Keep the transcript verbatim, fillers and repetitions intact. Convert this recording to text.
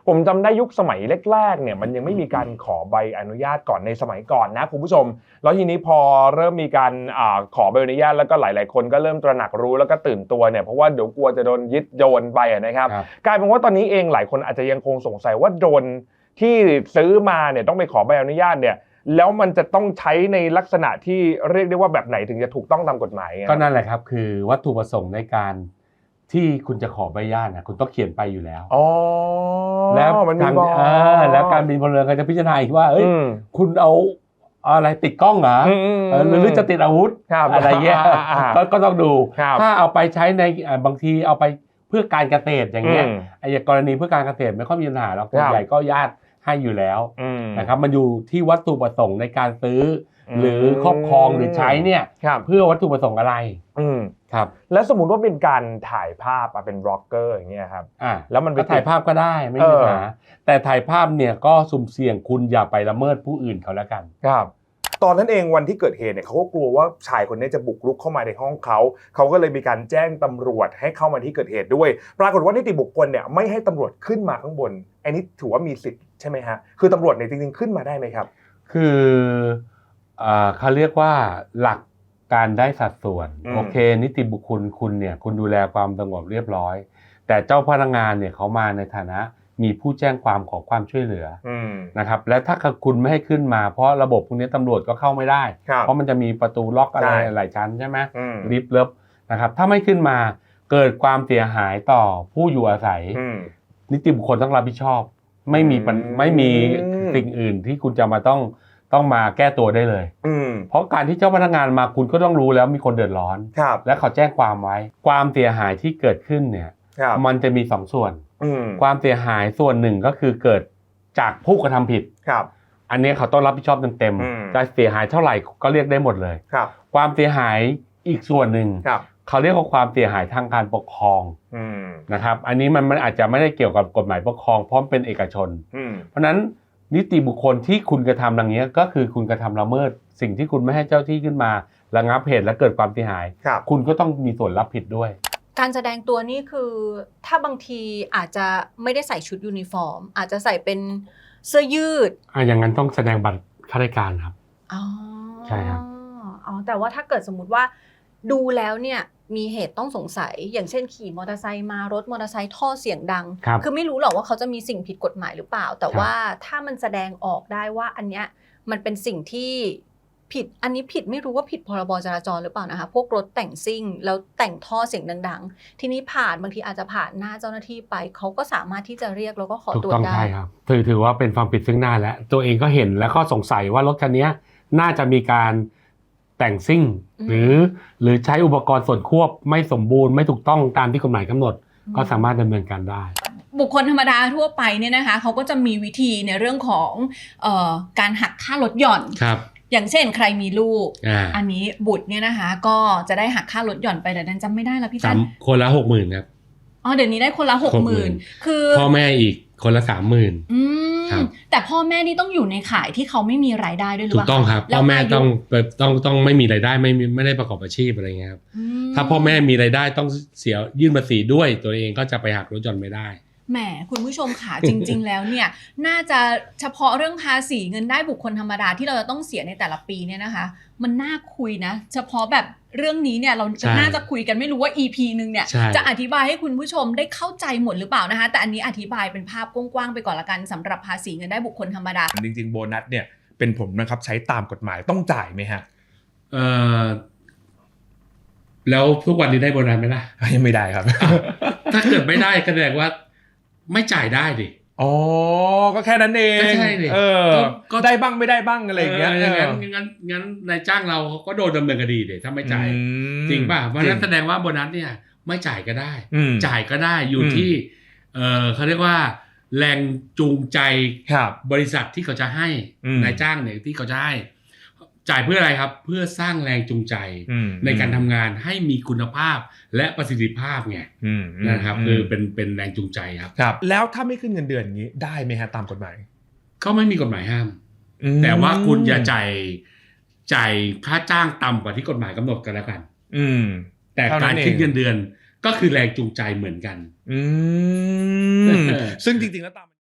ผมจำได้ยุคสมัยแรกๆเนี่ยมันยังไม่มีการขอใบอนุญาตก่อนในสมัยก่อนนะคุณผู้ชมแล้วทีนี้พอเริ่มมีการอ่าขอใบอนุญาตแล้วก็หลายๆคนก็เริ่มตระหนักรู้แล้วก็ตื่นตัวเนี่ยเพราะว่าเดี๋ยวกลัวจะโดนยึดโดรนไปนะครับกลายเป็นว่าตอนนี้เองหลายคนอาจจะยังคงสงสัยว่าโดรนที่ซื้อมาเนี่ยต้องไปขอใบอนุญาตเนี่ยแล้วมันจะต้องใช้ในลักษณะที่เรียกได้ว่าแบบไหนถึงจะถูกต้องตามกฎหมายก็นั่นแหละครับคือวัตถุประสงค์ในการที่คุณจะขอใบอนุญาตนะคุณต้องเขียนไปอยู่แล้วอ๋อแล้วมันมีบอกแล้วการบินพลเรือนก็จะพิจารณาอีกว่าเอ้ยคุณเอาอะไรติดกล้องเหรอหรือจะติดอาวุธอะไรเงี้ยก็ต้องดูถ้าเอาไปใช้ในบางทีเอาไปเพื่อการเกษตรอย่างเงี้ยไอ้กรณีเพื่อการเกษตรไม่ค่อยมีปัญหาหรอกส่วนใหญ่ก็ญาติให้อยู่แล้วนะครับมันอยู่ที่วัตถุประสงค์ในการซื้อหรือครอบครองหรือใช้เนี่ยเพื่อวัตถุประสงค์อะไรครับแล้วสมมุติว่าเป็นการถ่ายภาพเป็นบล็อกเกอร์อย่างเงี้ยครับแล้วมันไปถ่ายภาพก็ได้ไม่มีปัญหาแต่ถ่ายภาพเนี่ยก็สุ่มเสี่ยงคุณอย่าไปละเมิดผู้อื่นเขาแล้วกันครับตอนนั้นเองวันที่เกิดเหตุเนี่ยเขาก็กลัวว่าชายคนนี้จะบุกรุกเข้ามาในห้องเขาเขาก็เลยมีการแจ้งตำรวจให้เข้ามาที่เกิดเหตุด้วยปรากฏว่านิติบุคคลเนี่ยไม่ให้ตำรวจขึ้นมาข้างบนอันนี้ถือว่ามีสิทธิ์ใช่ไหมฮะคือตำรวจเนี่ยจริงๆขึ้นมาได้ไหมครับคือเขาเรียกว่าหลักการได้สัดส่วนโอเคนิติบุคคลคุณเนี่ยคุณดูแลความสงบเรียบร้อยแต่เจ้าพนักงานเนี่ยเขามาในฐานะมีผู้แจ้งความขอความช่วยเหลือนะครับและถ้าคุณไม่ให้ขึ้นมาเพราะระบบพวกนี้ตำรวจก็เข้าไม่ได้เพราะมันจะมีประตูล็อกอะไรหลายชั้นใช่ไหมลิฟต์เลิฟนะครับถ้าไม่ขึ้นมาเกิดความเสียหายต่อผู้อยู่อาศัยนิติบุคคลต้องรับผิดชอบไม่มีไม่มีสิ่งอื่นที่คุณจะมาต้องต้องมาแก้ตัวได้เลยเพราะการที่เจ้าพนักงานมาคุณก็ต้องรู้แล้วมีคนเดือดร้อนและเขาแจ้งความไว้ความเสียหายที่เกิดขึ้นเนี่ยมันจะมีสองส่วนความเสียหายส่วนหนึ่งก็คือเกิดจากผู้กระทำผิดอันนี้เขาต้องรับผิดชอบเต็มๆจะเสียหายเท่าไหร่ก็เรียกได้หมดเลยความเสียหายอีกส่วนหนึ่งเขาเรียกว่าความเสียหายทางการปกครองนะครับอันนี้มันมันอาจจะไม่ได้เกี่ยวกับกฎหมายปกครองเพราะเป็นเอกชนเพราะฉะนั้นนิติบุคคลที่คุณกระทำอย่างนี้ก็คือคุณกระทำละเมิดสิ่งที่คุณไม่ให้เจ้าที่ขึ้นมาระงับเหตุและเกิดความเสียหายคุณก็ต้องมีส่วนรับผิดด้วยการแสดงตัวนี่คือถ้าบางทีอาจจะไม่ได้ใส่ชุดยูนิฟอร์มอาจจะใส่เป็นเสื้อยืดอ่ะอย่างนั้นต้องแสดงบัตรข้าราชการครับอ๋อใช่ครับอ๋อแต่ว่าถ้าเกิดสมมุติว่าดูแล้วเนี่ยมีเหตุต้องสงสัยอย่างเช่นขี่มอเตอร์ไซค์มารถมอเตอร์ไซค์ท่อเสียงดัง ค, คือไม่รู้หรอกว่าเขาจะมีสิ่งผิดกฎหมายหรือเปล่าแต่ว่าถ้ามันแสดงออกได้ว่าอันเนี้ยมันเป็นสิ่งที่ผิดอันนี้ผิดไม่รู้ว่าผิดพรบจราจรหรือเปล่านะคะพวกรถแต่งซิ่งแล้วแต่งท่อเสียงดังๆทีนี้ผ่านบางทีอาจจะผ่านหน้าเจ้าหน้าที่ไปเขาก็สามารถที่จะเรียกแล้วก็ขอตรวจได้ถูกต้องใช่ครับถือถือว่าเป็นความผิดซึ่งหน้าแล้วตัวเองก็เห็นแล้วก็สงสัยว่ารถคันนี้น่าจะมีการแต่งซิ่งหรือหรือใช้อุปกรณ์ส่วนควบไม่สมบูรณ์ไม่ถูกต้องตามที่กฎหมายกำหนดก็สามารถดำเนินการได้บุคคลธรรมดาทั่วไปเนี่ยนะคะเขาก็จะมีวิธีในเรื่องของเอ่อการหักค่าลดหย่อนอย่างเช่นใครมีลูก อ, อันนี้บุตรเนี่ยนะคะก็จะได้หักค่าลดหย่อนไปแต่นั้นจำไม่ได้แล้วพี่จันคนละหกหมื่นครับอ๋อเดี๋ยวนี้ได้คนละหกหมื่นคือพ่อแม่อีกคนละสามหมื่นแต่พ่อแม่นี่ต้องอยู่ในข่ายที่เขาไม่มีรายได้ด้วยหรือเปล่าถูกต้องครับพ่อแม่ต้องต้องต้องไม่มีรายได้ไม่ไม่ได้ประกอบอาชีพอะไรเงี้ยครับถ้าพ่อแม่มีรายได้ต้องเสียยื่นภาษีด้วยตัวเองก็จะไปหักลดหย่อนไม่ได้แหมคุณผู้ชมค่ะ จริงๆแล้วเนี่ยน่าจะเฉพาะเรื่องภาษีเงินได้บุคคลธรรมดาที่เราจะต้องเสียในแต่ละปีเนี่ยนะคะมันน่าคุยนะเฉพาะแบบเรื่องนี้เนี่ยเราจะน่าจะคุยกันไม่รู้ว่า อี พี นึงเนี่ยจะอธิบายให้คุณผู้ชมได้เข้าใจหมดหรือเปล่านะคะแต่อันนี้อธิบายเป็นภาพกว้างๆไปก่อนละกันสำหรับภาษีเงินได้บุคคลธรรมดาจริงๆโบนัสเนี่ยเป็นผมนะครับใช้ตามกฎหมายต้องจ่ายไหมฮะเออแล้วทุกวันนี้ได้โบนัสไหมล่ะยังไม่ได้ครับถ้าเกิดไม่ได้ก็แสดงว่าไม่จ่ายได้ดิอ๋อก็แค่นั้นเองก็ใช่ดิเออก็ได้บ้างไม่ได้บ้างอะไรอย่างเงี้ยงั้นงั้นงั้นนายจ้างเราก็โดนดำเนินคดีดิถ้าไม่จ่ายจริงป่ะเพราะนั้นแสดงว่าโบนัสเนี่ยไม่จ่ายก็ได้จ่ายก็ได้อยู่ที่เออเขาเรียกว่าแรงจูงใจบริษัทที่เขาจะให้นายจ้างเนี่ยที่เขาจะให้จ่ายเพื่ออะไรครับเพื่อสร้างแรงจูงใจในการทำงานให้มีคุณภาพและประสิทธิภาพไงนะครับคือเป็นเป็นแรงจูงใจครับครับแล้วถ้าไม่ขึ้นเงินเดือนอย่างนี้ได้ไหมฮะตามกฎหมายก็ไม่มีกฎหมายห้ามแต่ว่าคุณอย่าจ่ายจ่ายค่าจ้างต่ำกว่าที่กฎหมายกำหนดกันแล้วกันแต่การขึ้นเงินเดือนก็คือแรงจูงใจเหมือนกันซึ่งจริงๆแล้วตาม